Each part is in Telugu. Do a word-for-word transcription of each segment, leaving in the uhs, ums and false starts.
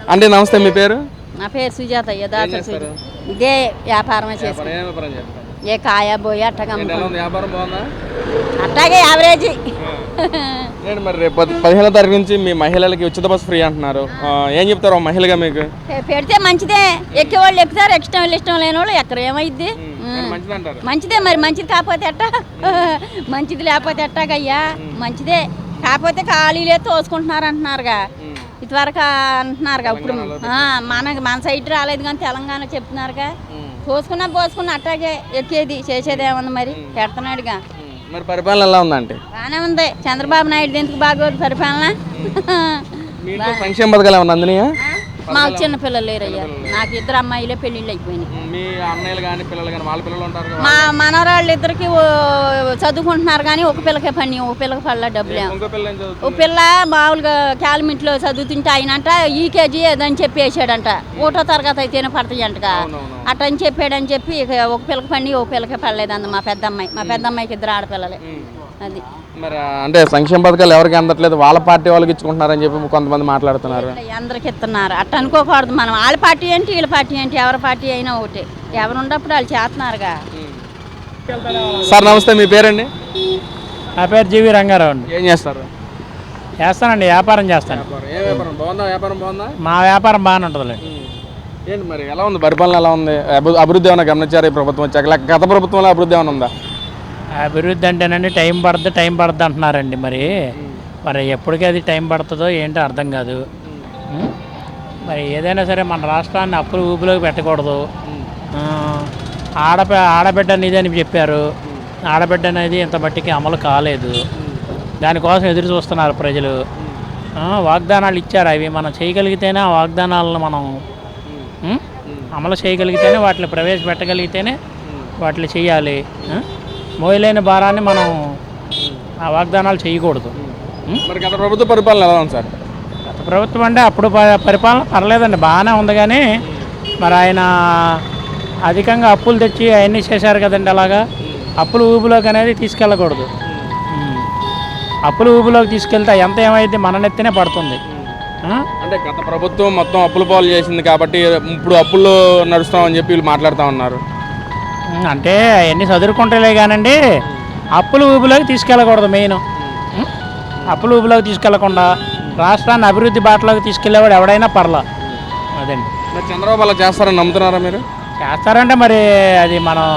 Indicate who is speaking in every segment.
Speaker 1: అంటే నమస్తే, మీ పేరు?
Speaker 2: నా పేరు సుజాత. ఇదే వ్యాపారమే చేస్తాను. ఏ కాయ పోయి అట్టగా అట్టాగే యావరేజ్.
Speaker 1: నేను మరి రేపు పదిహేనో తారీఖు నుంచి మీ మహిళలకి ఉచిత బస్సు ఫ్రీ అంటున్నారు. ఏం చెప్తారు మహిళగా మీకు?
Speaker 2: పెడితే మంచిదే. ఎక్కే వాళ్ళు ఎక్కుతారు, ఇష్టం వాళ్ళు ఇష్టం లేని వాళ్ళు ఎక్కడ ఏమైద్ది. మంచిదే మరి. మంచిది కాకపోతే ఎట్టా? మంచిది లేకపోతే ఎట్టాగయ్యా? మంచిదే కాకపోతే ఖాళీలే తోసుకుంటున్నారు అంటున్నారుగా, ఇదివరకు అంటున్నారుగా. ఇప్పుడు మనకి మన సైడ్ రాలేదు కానీ తెలంగాణ చెప్తున్నారుగా. పోసుకున్నా పోసుకున్నా అట్టాగే ఎక్కేది చేసేది ఏముంది మరి, పెడుతున్నాడుగా.
Speaker 1: మరి పరిపాలన ఎలా ఉందంటే?
Speaker 2: బాగానే ఉంది. చంద్రబాబు నాయుడు ఎందుకు బాగోదు పరిపాలన?
Speaker 1: సంక్షేమ పథకాలు ఏమన్నా అందినాయా?
Speaker 2: మాకు చిన్న పిల్లలు లేరయ్యా. నాకు ఇద్దరు అమ్మాయిలే పెళ్ళిళ్ళు అయిపోయినాయి. మా మనవరాళ్ళు ఇద్దరికి చదువుకుంటున్నారు కానీ ఒక పిల్లకే పని, ఒక పిల్లకి పడలే డబ్బులు. ఒక పిల్ల మామూలుగా క్యాలమింట్లో చదువుతుంటే ఆయనంట ఈకేజీ ఏదని చెప్పి వేసాడంట. ఒకటో తరగతి అయితేనే పడతాయంటగా అట్టని చెప్పాడని చెప్పి ఒక పిల్లకి పని, ఒక పిల్లకే పడలేదు అంద మా పెద్ద అమ్మాయి. మా పెద్ద అమ్మాయికి ఇద్దరు ఆడపిల్లలే. అది
Speaker 1: మరి అంటే సంక్షేమ పథకాలు ఎవరికి అందట్లేదు, వాళ్ళ పార్టీ వాళ్ళకి ఇచ్చుకుంటున్నారని చెప్పి కొంతమంది మాట్లాడుతున్నారు.
Speaker 2: అందరికి ఇస్తున్నారు అట్ట అనుకోకూడదు మనం. వాళ్ళ పార్టీ ఏంటి వీళ్ళ పార్టీ ఏంటి, ఎవరి పార్టీ అయినా ఒకటి. ఎవరు ఉన్నప్పుడు వాళ్ళు చేస్తున్నారుగా.
Speaker 1: సార్ నమస్తే, మీ పేరండి?
Speaker 3: నా పేరు జీవి రంగారావు అండి.
Speaker 1: ఏం చేస్తారు?
Speaker 3: చేస్తానండి, వ్యాపారం చేస్తాను. మా వ్యాపారం బాగానే ఉంటుంది.
Speaker 1: ఏంటి మరి ఎలా ఉంది పరిపాలన? ఎలా ఉంది? అభివృద్ధి ఏమైనా గమనించారు ఈ ప్రభుత్వం వచ్చాక? గత ప్రభుత్వంలో అభివృద్ధి ఏమైనా ఉందా?
Speaker 3: అభివృద్ధి అంటేనండి టైం పడుతుంది టైం పడుతుంది అంటున్నారండి. మరి మరి ఎప్పటికీ అది టైం పడుతుందో ఏంటో అర్థం కాదు. మరి ఏదైనా సరే మన రాష్ట్రాన్ని అప్పులు ఊపిలోకి పెట్టకూడదు. ఆడప ఆడబిడ్డ అనేది అని చెప్పారు. ఆడబిడ్డ అనేది ఇంత బట్టికి అమలు కాలేదు. దానికోసం ఎదురు చూస్తున్నారు ప్రజలు. వాగ్దానాలు ఇచ్చారు, అవి మనం చేయగలిగితేనే ఆ వాగ్దానాలను మనం అమలు చేయగలిగితేనే, వాటిని ప్రవేశపెట్టగలిగితేనే వాటిని చేయాలి. మోయలేని భారాన్ని మనం ఆ వాగ్దానాలు చేయకూడదు.
Speaker 1: మరి గత ప్రభుత్వ పరిపాలన ఎలా ఉంది సార్?
Speaker 3: గత ప్రభుత్వం అంటే అప్పుడు పరిపాలన పర్లేదండి, బాగానే ఉంది. కానీ మరి ఆయన అధికంగా అప్పులు తెచ్చి అవన్నీ చేశారు కదండి. అలాగా అప్పులు ఊబిలోకి అనేది తీసుకెళ్ళకూడదు. అప్పులు ఊబిలోకి తీసుకెళ్తే ఎంత ఏమైంది మన నెత్తినే పడుతుంది.
Speaker 1: అంటే గత ప్రభుత్వం మొత్తం అప్పుల పాలు చేసింది కాబట్టి ఇప్పుడు అప్పుల్లో నడుస్తామని చెప్పి వీళ్ళు మాట్లాడుతూ ఉన్నారు.
Speaker 3: అంటే అవన్నీ చదువుకుంటలే కానండి, అప్పులు ఊబిలోకి తీసుకెళ్ళకూడదు. మెయిన్ అప్పులు ఊబిలోకి తీసుకెళ్లకుండా రాష్ట్రాన్ని అభివృద్ధి బాటలోకి తీసుకెళ్లేవాడు ఎవడైనా పర్లా. అదండి.
Speaker 1: చంద్రబాబు అలా చేస్తారని నమ్ముతున్నారా మీరు?
Speaker 3: చేస్తారంటే మరి అది మనం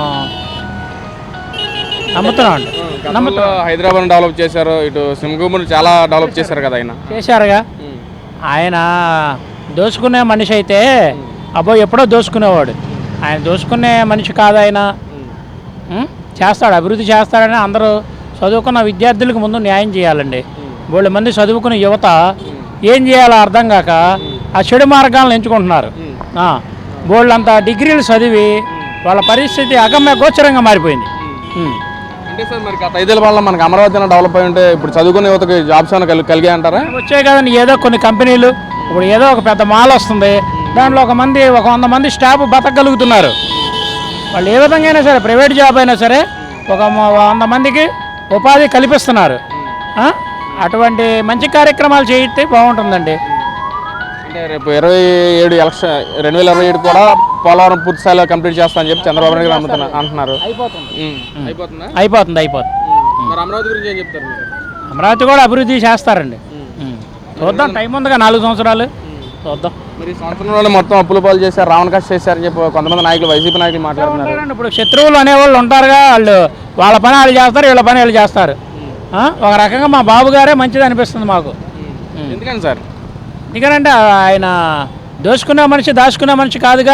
Speaker 3: నమ్ముతున్నాం అండి.
Speaker 1: నమ్ముతున్నాం. హైదరాబాద్ డెవలప్ చేశారు, ఇటు సింగూరుని చాలా డెవలప్ చేశారు కదా ఆయన.
Speaker 3: చేశారుగా. ఆయన దోచుకునే మనిషి అయితే అబ్బో ఎప్పుడో దోచుకునేవాడు. ఆయన దోచుకునే మనిషి కాదు ఆయన. చేస్తాడు, అభివృద్ధి చేస్తాడని అందరూ చదువుకున్న విద్యార్థులకు ముందు న్యాయం చేయాలండి. బోళ్ళ మంది చదువుకున్న యువత ఏం చేయాలో అర్థం కాక ఆ చెడు మార్గాలను ఎంచుకుంటున్నారు. బోళ్ళంతా డిగ్రీలు చదివి వాళ్ళ పరిస్థితి అగమ్య గోచరంగా మారిపోయింది.
Speaker 1: అంటే సార్ మరి గత ఐదేళ్ళ వల్ల మనకు అమరావతి డెవలప్ అయి ఉంటే ఇప్పుడు చదువుకునే యువతకి జాబ్స్ ఏమైనా కలిగి కలిగే అంటారా?
Speaker 3: వచ్చాయి కదండి. ఏదో కొన్ని కంపెనీలు, ఇప్పుడు ఏదో ఒక పెద్ద మాల్ వస్తుంది, దాంట్లో ఒక మంది ఒక వంద మంది స్టాఫ్ బతకగలుగుతున్నారు. వాళ్ళు ఏ విధంగా అయినా సరే, ప్రైవేట్ జాబ్ అయినా సరే ఒక వంద మందికి ఉపాధి కల్పిస్తున్నారు. అటువంటి మంచి కార్యక్రమాలు చేయితే బాగుంటుందండి.
Speaker 1: అంటే రేపు ఇరవై ఏడు ఎలక్షన్ రెండు వేల ఇరవై ఏడు కూడా పోలవరం పూర్తి స్థాయిలో కంప్లీట్ చేస్తా అని చెప్పి చంద్రబాబు నాయుడు అంటున్నారు.
Speaker 3: అయిపోతుంది అయిపోతుంది అయిపోతుంది
Speaker 1: అమరావతి గురించి ఏం చెప్తారు?
Speaker 3: అమరావతి కూడా అభివృద్ధి చేస్తారండి. చూద్దాం, టైం ఉందిగా నాలుగు సంవత్సరాలు, చూద్దాం.
Speaker 1: మరి సంవత్సరంలో మొత్తం అప్పుల పాలు చేశారు, రావణ కష్ట చేశారని చెప్పి కొంతమంది నాయకులు, వైసీపీ నాయకులు మాట్లాడుతున్నారు.
Speaker 3: ఇప్పుడు శత్రువులు అనేవాళ్ళు ఉంటారుగా, వాళ్ళు వాళ్ళ పని వాళ్ళు చేస్తారు, వీళ్ళ పని వీళ్ళు చేస్తారు. ఒక రకంగా మా బాబు గారే మంచిది అనిపిస్తుంది మాకు.
Speaker 1: ఎందుకని సార్?
Speaker 3: ఎందుకంటే ఆయన దోచుకునే మనిషి దాచుకునే మనిషి కాదుగా.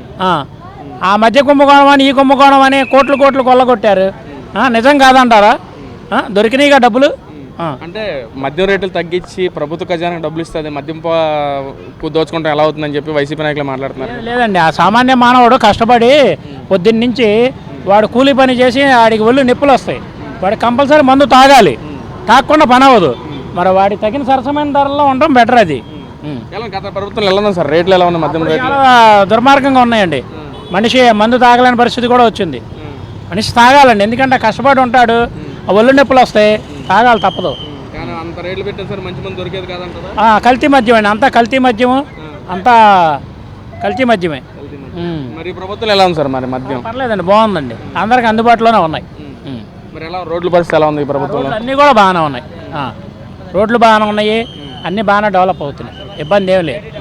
Speaker 3: ఆ మధ్య కుంభకోణం అని ఈ కుంభకోణం అని కోట్లు కోట్లు కొల్లగొట్టారు. నిజం కాదంటారా? దొరికినాయిగా డబ్బులు.
Speaker 1: అంటే మద్యం రేట్లు తగ్గించి ప్రభుత్వ ఖజానాకు డబ్బులు ఇస్తుంది, మద్యం దోచుకుంటాం ఎలా అవుతుందని చెప్పి వైసీపీ నాయకులు మాట్లాడుతున్నారు.
Speaker 3: లేదండి, ఆ సామాన్య మానవుడు కష్టపడి పొద్దున్న నుంచి వాడు కూలీ పని చేసి వాడికి ఒళ్ళు నిప్పులు వస్తాయి. వాడు కంపల్సరీ మందు తాగాలి, తాగకుండా పని అవ్వదు. మరి వాడికి తగిన సరసమైన ధరల్లో ఉండడం బెటర్. అది
Speaker 1: గత ప్రభుత్వం ఎలా ఉంది సార్? రేట్లు ఎలా ఉన్నాయి? మద్యం రేట్లు
Speaker 3: చాలా దుర్మార్గంగా ఉన్నాయండి. మనిషి మందు తాగలేని పరిస్థితి కూడా వచ్చింది. మనిషి తాగాలండి, ఎందుకంటే కష్టపడి ఉంటాడు, ఒళ్ళు నొప్పులు వస్తాయి, తాగాలి, తప్పదు.
Speaker 1: అంత రేట్లు పెట్టారు సార్, మంచి మంది దొరికేది కాదంటారా?
Speaker 3: కల్తీ మద్యం అండి, అంతా కల్తీ మద్యము. అంతా కల్తీ మద్యమే. ఉమ్.
Speaker 1: మరి ఈ ప్రభుత్వం ఎలా ఉంది సార్ మరి మద్యం?
Speaker 3: పర్లేదండి, బాగుందండి, అందరికి అందుబాటులోనే ఉన్నాయి. ఉమ్.
Speaker 1: మరి ఎలా రోడ్ల పరిస్థితి ఎలా ఉంది ఈ ప్రభుత్వంలో?
Speaker 3: రోడ్లు అన్నీ కూడా బాగానే ఉన్నాయి. ఆ, రోడ్లు బాగానే ఉన్నాయి, అన్నీ బాగానే డెవలప్ అవుతున్నాయి, ఇబ్బంది ఏం లేదు.